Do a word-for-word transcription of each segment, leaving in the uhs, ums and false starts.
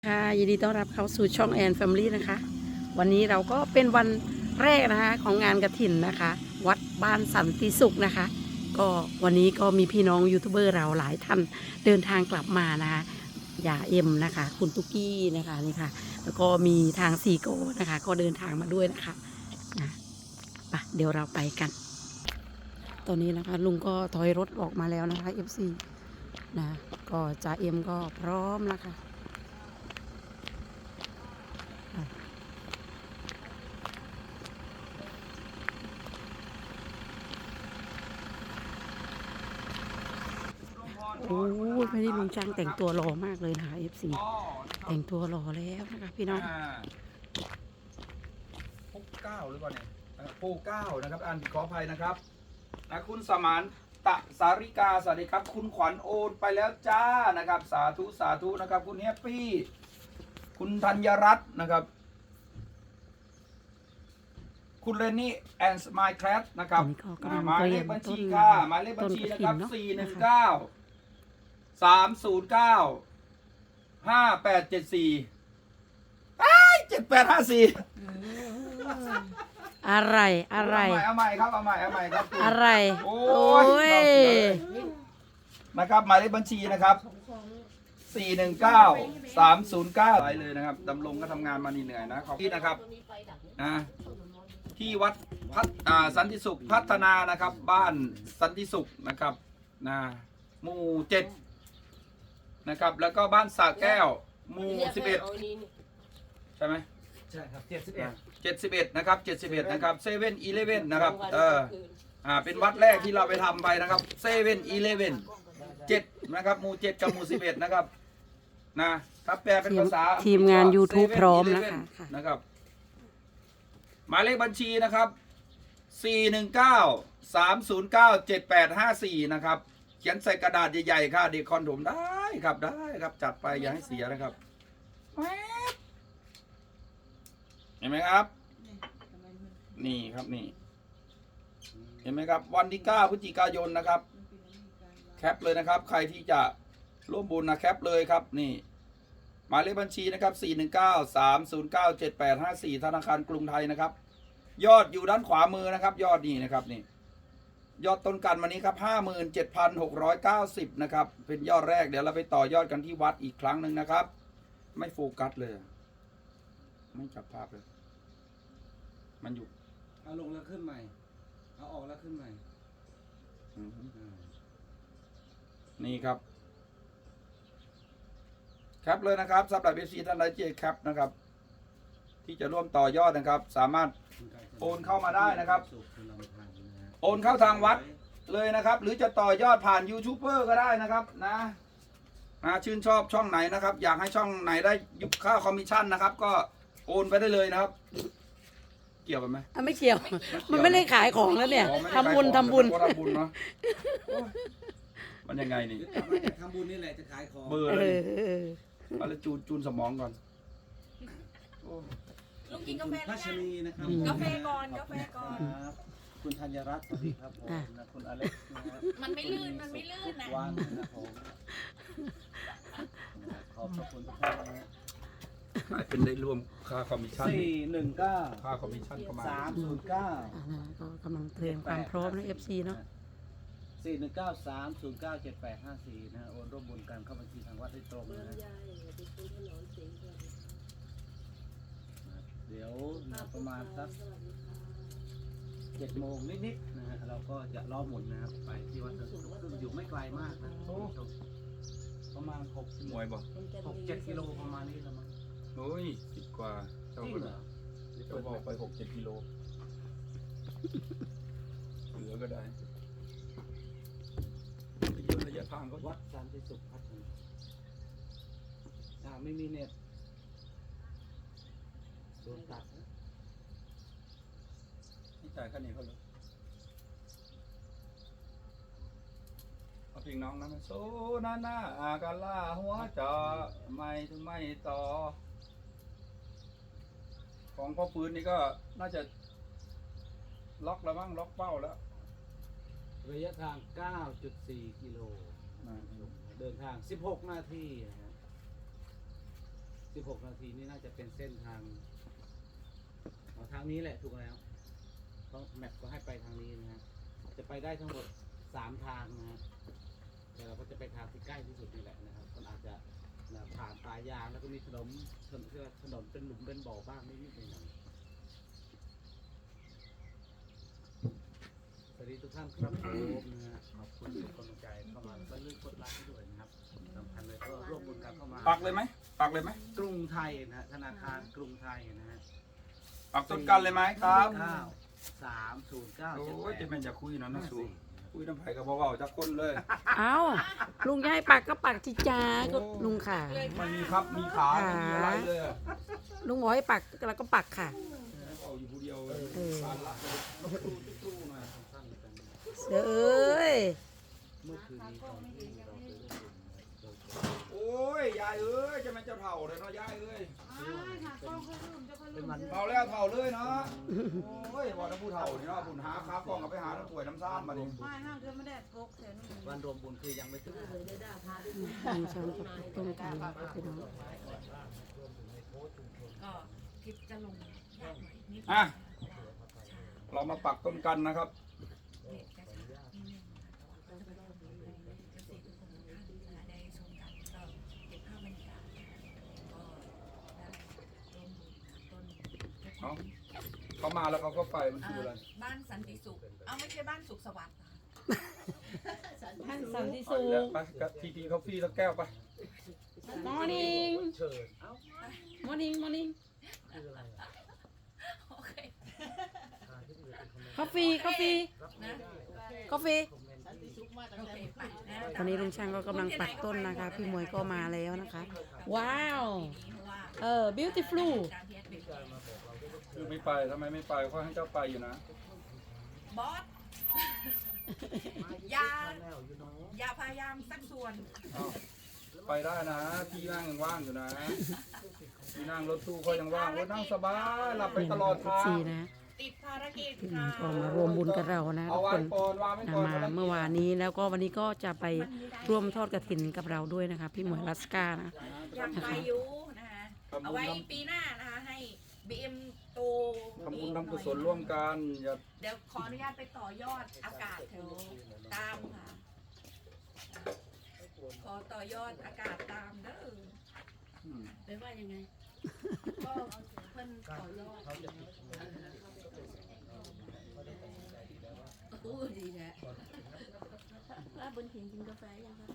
ค่ะยินดีต้อนรับเข้าสู่ช่องแอนแฟมิลี่นะคะวันนี้เราก็เป็นวันแรกนะคะของงานกฐินนะคะ วัดบ้านสันติสุขนะคะ ก็วันนี้ก็มีพี่น้องยูทูบเบอร์เราหลายท่านเดินทางกลับมานะคะอย่าเอ็มนะคะ คุณตุ๊กกี้นะคะนี่ค่ะ แล้วก็มีทางซีโก้นะคะ ก็เดินทางมาด้วยนะคะนะไปเดี๋ยวเราไปกัน ตอนนี้นะคะลุงก็ถอยรถออกมาแล้วนะคะ เอฟ ซี นะก็จ่าเอ็มก็พร้อมแล้วค่ะโอ้ยไม่ได้ลุงช่างแต่งตัวหล่อมากเลยนะคะ เอฟ ซี แต่งตัวหล่อแล้วนะคะพี่น้องพกเก้าหรือเปล่าเนี่ยโพเก้านะครับอ่านผิดขออภัยนะครับนะคุณสมานตะสาริกาสวัสดีครับคุณขวัญโอนไปแล้วจ้านะครับสาธุสาธุนะครับคุณแฮปปี้คุณธัญรัตน์นะครับคุณเรนนี่แอนด์ไมค์แคร์นะครับหมายเลขบัญชีค่ะหมายเลขบัญชีนะครับสี่หนึ่งเก้าสามศูนย์เก้าห้าแปดเจ็ดสี่เจ็ดแปดห้าสี่อะไรอะไรเอาใหม่ครับเอาใหม่เอาใหม่ครับอะไรโอ้ยนะครับหมายเลขบัญชีนะครับสี่หนึ่งเก้าสามศูนย์เก้าไปเลยนะครับดำรงก็ทำงานมาเหนื่อยนะขอบคุณนะครับนะที่วัดพัฒสันติสุขพัฒนานะครับบ้านสันติสุขนะครับนะหมู่เจ็ดนะครับแล้วก็บ้านสระแก้วหมู่สิบเอ็ดใช่ไหมใช่ครับเจ็ดสิบเอ็ดเจ็ดสิบเอ็ดนะครับเจ็ดสิบเอ็ดนะครับเซเว่นอีเลฟเว่นนะครับเอออ่าเป็นวัดแรกที่เราไปทำไปนะครับเซเว่นอีเลฟเว่นเจ็ดนะครับหมู่เจ็ดกับหมู่สิบเอ็ดนะครับนะถ้าแปลเป็นภาษาทีมงาน YouTube พร้อมแล้วค่ะนะครับหมายเลขบัญชีนะครับสี่หนึ่งเก้าสามศูนย์เก้าเจ็ดแปดห้าสี่นะครับเขียนใส่กระดาษใหญ่ๆค่ะเด็กคอนโดมได้ครับได้ครับจัดไปอย่าให้เสียนะครับเห็นไหมครับนี่ครับนี่เห็นไหมครับวันที่เก้าพฤศจิกายนนะครับแคปเลยนะครับใครที่จะร่วมบุญนะแคปเลยครับนี่หมายเลขบัญชีนะครับสี่หนึ่งเก้าสามศูนย์เก้าเจ็ดแปดห้าสี่ธนาคารกรุงไทยนะครับยอดอยู่ด้านขวามือนะครับยอดนี่นะครับนี่ยอดต้นกันวันนี้ครับห้าหมื่นเจ็ดพันหกร้อยเก้าสิบนะครับเป็นยอดแรกเดี๋ยวเราไปต่อยอดกันที่วัดอีกครั้งหนึ่งนะครับไม่โฟกัสเลยไม่จับภาพเลยมันอยู่เอาลงแล้วขึ้นใหม่เอาออกแล้วขึ้นใหม่นี่ครับแคปเลยนะครับสำหรับเอฟซีท่านใดที่แคปนะครับที่จะร่วมต่อยอดนะครับสามารถโอนเข้ามาได้นะครับโอนเข้าทางวัดเลยนะครับหรือจะต่อยอดผ่านยูทูบเบอร์ก็ได้นะครับนะนะชื่นชอบช่องไหนนะครับอยากให้ช่องไหนได้ยุบค่าคอมมิชชั่นนะครับก็โอนไปได้เลยนะครับเกี่ยวกันไหมไม่เกี่ยวมันไม่ได้ขายของแล้วเนี่ยทำบุญทำบุญทำบุญเนาะมันยังไงนี่ทำบุญนี่แหละจะขายของเบอร์เลยเอาละจูนจูนสมองก่อนลุงกินกาแฟแล้วยังนะครับกาแฟก่อนกาแฟก่อนคุณธัญรัตน์สวัสดีครับผมนะคุณอเล็กนะครับมันไม่ลื่นมันไม่ลื่นนะวันนะครับผมขอบคุณทุกท่านนะเป็นได้รวมค่าคอมมิชชั่นสี่หนึ่งเก้าค่าคอมมิชชั่นประมาณสามศูนย์เก้าก็กำลังเตรียมความพร้อมใน เอฟ ซี เนาะสี่หนึ่งเก้าสามศูนย์เก้าเจ็ดแปดห้าสี่นะโอนร่วมบุญกันเข้าบัญชีทางวัดได้ตรงนะเดี๋ยวประมาณสักเจ็ดโมงนิดๆนะฮะเราก็จะล้อหมุนนะครับไปที่วัดสันติสุขซึ่งอยู่ไม่ไกลมากนะประมาณหกมวยบอกหกเจ็ดกิโลประมาณนี้ละมั้งโอ้ยสิบกว่าเจ้าเหรอเจ้าบอกไปหกเจ็ดกิโลเหลือก็ได้เยอะระยะทางก็วัดสันติสุขพัฒนาอ่าไม่มีเน็ตโดนตัดที่จ่ายค่านี้เขาเลยเอาเพลงน้องนะโซนานาอากาล่าหัวจอไม่ถึงไม่ต่อของพ่อฟื้นนี่ก็น่าจะล็อกแล้วมั้งล็อกเป้าแล้วระยะทาง เก้าจุดสี่ กิโลเดินทางสิบหกนาทีนะฮะสิบหกนาทีนี่น่าจะเป็นเส้นทางเอาทางนี้แหละถูกแล้วเพราะแมปก็ให้ไปทางนี้นะฮะจะไปได้ทั้งหมดสามทางนะฮะแต่เราก็จะไปทางที่ใกล้ที่สุดนี่แหละนะครับมันอาจจะนะผ่านป่ายางแล้วก็มีถนนถนนถนนเป็นหลุมเป็นบ่อบ้างนิดๆหน่อยๆสวัสดีทุกท่านครับผมนะฮะขอบคุณทุกกำลังใจเข้ามาก็เลือกกดไลค์ให้ด้วยนะครับสำคัญเลยก็ร่วมบุญกันเข้ามาปักเลยไหมปักเลยไหมกรุงไทยนะฮะธนาคารกรุงไทยนะฮะปักต้นกันเลยไหมครับเก้าสามศูนย์เก้าโอ้เจ็ดยแปจะดเป็นจะคุยเนาะนะสูคุยน้ำไผ่กับเบาๆจากคนเลยเอาลุงจะให้ปักก็ปักจิจ้าก็ลุงค่ะมันมีครับมีขาไม่มีอะไรเลยอะลุงบอกให้ปักแล้วก็ปักค่ะเอาอยู่ผู้เดียวเลยเออปานละเลยตู้ๆหน่อยเสือเอ้ยเมื่อคืนนี้ตอนที่เราไปร่วมบุญนะเราโอ้ยยายเอ้ยจะเป็นเจ้าเถ่าเลยเนาะยายเอ้ยเป็นวันเถ่าแล้วเถ่าเลยเนาะโอ้ยว่าถ้าผู้เถ่านี่เนาะผู้หาค้ากล้องกับไปหาน้ำป่วยน้ำซ่านมาดิไม่ห้างเธอไม่ได้ปลุกเสียนุ่มวันรวมบุญคือยังไม่ถึงลุงช่างก็ปักต้นกันนะคะพี่น้องก็คลิปจะลงยากหน่อยนิดอ่ะเรามาปักต้นกันนะครับเด็กจะช้านิดนึงแต่ว่าก็จะไปลงในเกษตรทุกคนทุกท่านได้ชมกันก็เก็บภาพบรรยากาศก็ได้ร่วมบุญต้นเนาะ เขามาแล้วเขาก็ไปมันคืออะไรบ้านสันติสุขเอาไม่ใช่บ้านสุขสวัสดิ์ท่านสันติไปสุแล้วขไปกับทีทีคอฟฟี่สักแก้วไป morning เชิญ morning morning โอเค coffee coffee นะ coffee โอเคไปนะตอนนี้ลุงช่างก็กำลังปักต้นนะคะ พี่มวยก็มาแล้วนะคะ ว้าว เออ beautiful การที่แอดมินคือไม่ไปทำไมไม่ไปเขาให้เจ้าไปอยู่นะบอสอย่าแล้วอยู่เนาะอย่าพยายามสักส่วนอ้าวไปได้นะ ที่นั่งยังว่างอยู่นะ ที่นั่งรถตู้เขายังว่างรถนั่งสบายหลับไปนี่ตนะลอดคะทางสี่นะติดภารกิจพี่มค่ะวยก็มารวมบุญกับเรานะเอาทุกไว้คนก่อนวางไว้นะก่อนมาเมื่อวานนี้แล้วก็วันนี้ก็จะไปร่วมทอดกระถินกับเราด้วยนะคะ พี่หมวยลัสกานะอยากไปอยู่นะคะเอาไว้ปีหน้านะคะให้บีเอ็มโตทำบุญทำกุศลร่วมกันอย่าเดี๋ยวขออนุญาตไปต่อยอดอากาศแถวตามค่ะขอต่อยอดอากาศตามเด้ออืมหรือว่ายังไง ก็เพิ่นต่อยอดโอ้ดีแท้ว่าบนหินกินกาแฟยังคะ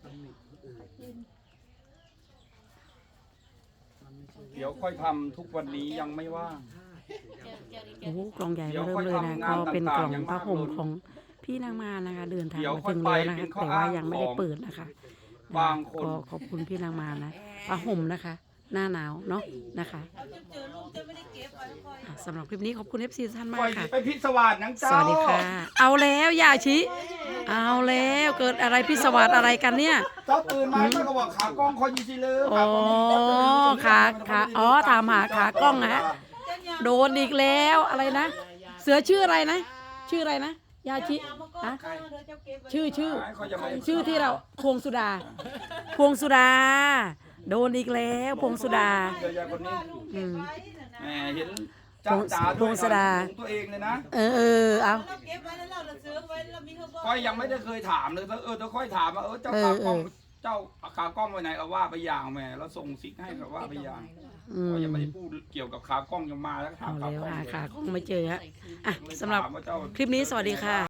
เดี๋ยวค่อยทำทุกวันนี้ยังไม่ว่างโอ้โหกล่องใหญ่มาเริ่มเลยนะก็เป็นกล่องผ้าห่มของพี่นางมานะคะ เดินทางมาถึงแล้วนะคะแต่ว่ายังไม่ได้เปิดนะคะบางคนก็ขอบคุณพี่นางมานะผ้าห่มนะคะ หน้าหนาวเนาะนะคะเอาเจอเจอลูกจะไม่ได้เก็บไว้คอยอ่ะสำหรับคลิปนี้ขอบคุณ เอฟ ซี ท่านมาปล่กอยค่ะไปพิศวาสนังเจ้าสวัสดีค่ะ เอาแล้วยาชิ เอาแล้วเกิดอะไรพิศวาสอะไรกันเนี่ยเจ้าตื่นมาก็บอกขากล้องคอยยีซีเลยอ๋อขาขาอ๋อถามหาขากล้องนะฮะ โดนอีกแล้วอะไรนะ เสือชื่ออะไรนะ ชื่ออะไรนะ ยาชิอะ ชื่อชื่อ ชื่อที่เราพวงสุดา พวงสุดา โดนอีกแล้วพวงสุดาเดี๋ยวยายคนนี้อืมแหมเห็นจ้าจ๋าพด้วงยศดาของตัวเองเลยนะเออเออเอาเราเก็บไว้แล้วเราเราซื้อไว้เรามีเขาบอกค่อยยังไม่ได้เคยถามเลยเออเธอค่อยถามว่าเออเจ้าขากล้องเจ้าขากล้องไว้ไหนเอาว่าไปอย่างแหม่แล้วส่งซิกให้แบบว่าไปอย่างอืมก็ยังไม่ได้พูดเกี่ยวกับขากล้องยังมาแล้วถาเอามขาแล้วกล้องหาขาคงไม่เจอฮะอ่ะเลยสำหรับถามว่าเจ้าคลิปนี้สวัสดีค่ะ